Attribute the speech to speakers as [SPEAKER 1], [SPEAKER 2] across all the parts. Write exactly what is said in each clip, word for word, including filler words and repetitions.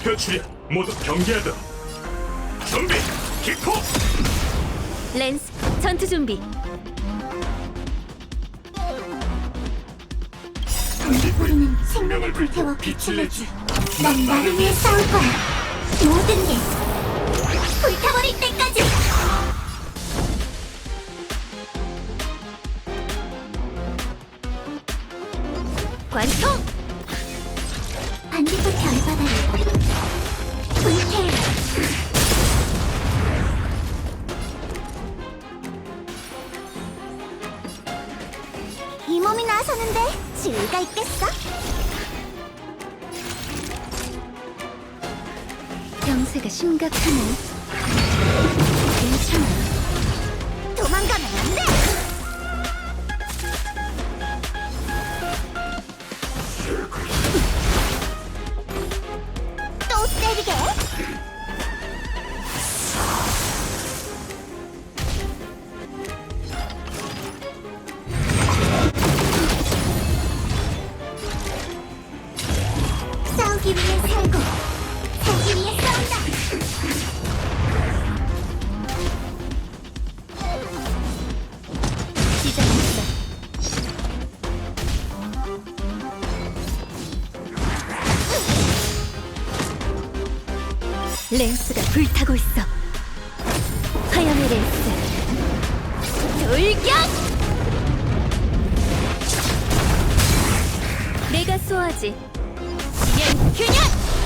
[SPEAKER 1] 목표 출현 모두 경계하도록. 준비 기포.
[SPEAKER 2] 랜스, 전투 준비.
[SPEAKER 3] 우리는 생명을 불태워 빛을 내지. 난 나를 위해 싸울 거야. 모든 게 불타버릴 때까지.
[SPEAKER 2] 관통!
[SPEAKER 3] 반딧불 별바다를 불태워. 이 몸이 나서는데 지위가 있겠어?
[SPEAKER 2] 병세가 심각하네. 괜찮아.
[SPEAKER 3] 도망가면 안 돼! 또 때리게! 싸우기 위해 살고 살기 위해 싸운다!
[SPEAKER 2] 시작했어. 랜스가 불타고 있어. 화염의 랜스. 돌격! 내가 쏘아지. 지면 균열!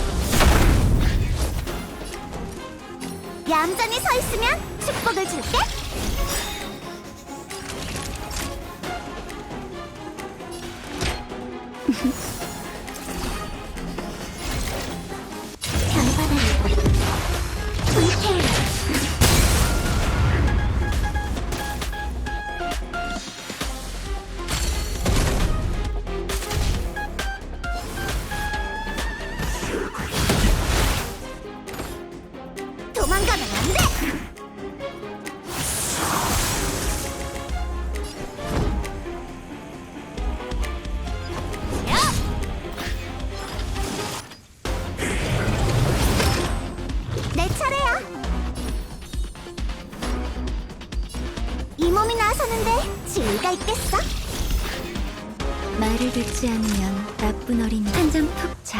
[SPEAKER 3] 얌전히 서 있으면 축복을 줄게. 별바다를 불태워. 도망가면 안 돼! 내 차례야. 이 몸이 나서는데 지위가 있겠어?
[SPEAKER 2] 말을 듣지 않으면 나쁜 어린이 한 점 톡 차.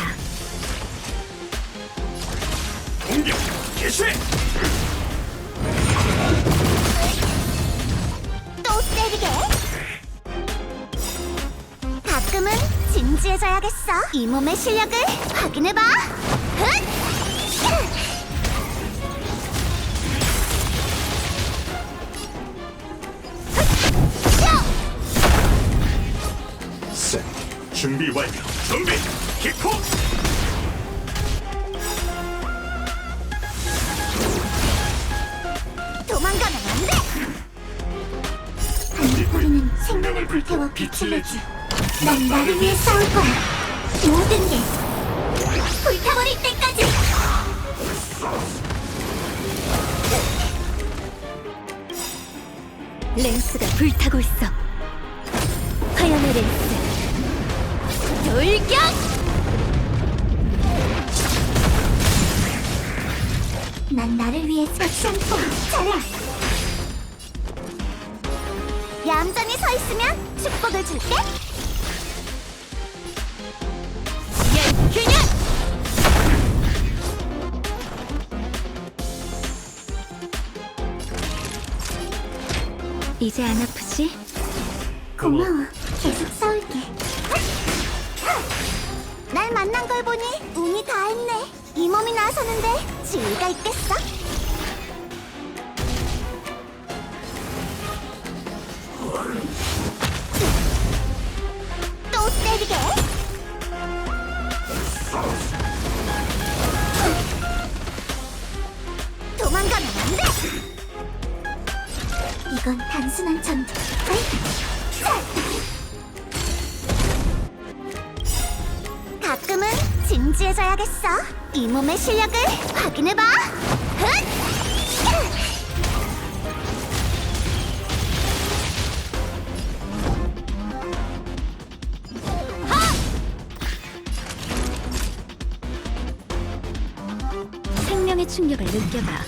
[SPEAKER 1] 공격 개시.
[SPEAKER 3] 또 때리게. 가끔은 진지해져야겠어. 이 몸의 실력을 확인해봐. 흑!
[SPEAKER 1] 셋. 준비 완료. 준비 기포.
[SPEAKER 3] 도망가면 안 돼! 반딧불이는 생명을 불태워 빛을 내지. 난 나를 위해 싸울 거야. 모든 게 불타버릴 때까지.
[SPEAKER 2] 랜스가 불타고 있어. 화염의 랜스. 돌격!
[SPEAKER 3] 난 나를 위해 섹션포 잘해. 얌전히 서 있으면 축복을 줄게.
[SPEAKER 2] 지면 균열! 이제 안 아프지?
[SPEAKER 3] 고마워. 계속 싸울게. 날 만난 걸 보니 운이 다했네. 이 몸이 나서는데 지위가 있겠어? 또 때리게. 도망가면 안 돼. 이건 단순한 전투. 가끔은 진지해져야겠어. 이 몸의 실력을 확인해봐. 흑!
[SPEAKER 2] 생명의 충격을 느껴봐.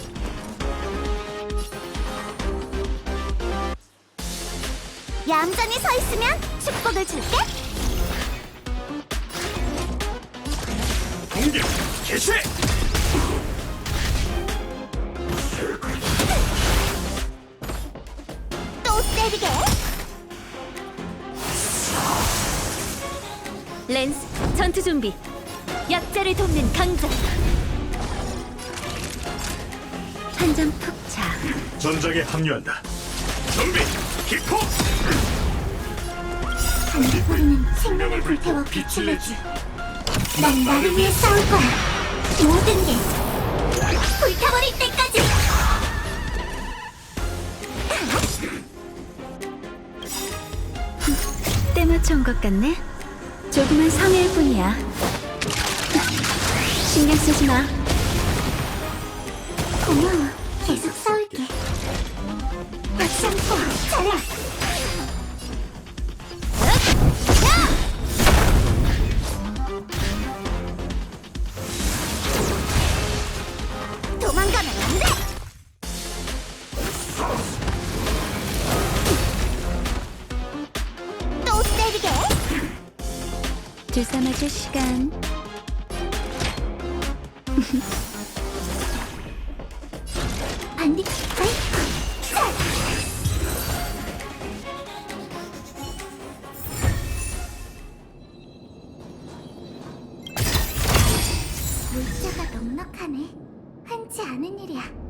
[SPEAKER 3] 얌전히 서 있으면 축복을 줄게.
[SPEAKER 1] 공격 개시.
[SPEAKER 3] 또 때리게.
[SPEAKER 2] 랜스, 전투 준비. 약자를 돕는 강자. 한 점 푹 차.
[SPEAKER 1] 전장에 합류한다. 준비 기포.
[SPEAKER 3] 반딧불이는 생명을 불태워 빛을 내지. 난 나를 위해 싸울 거야. 모든 게 불타버릴 때까지.
[SPEAKER 2] 때 맞춰온 것 같네. 조그만 성의일 뿐이야. 신경 쓰지 마.
[SPEAKER 3] 고마워. 계속 싸울게. 다시 한번 잘해. 도망가면 안 돼. 또 때리게.
[SPEAKER 2] 주사 맞을 시간.
[SPEAKER 3] 반딧 파이프. 물자가 넉넉하네. 흔치 않은 일이야.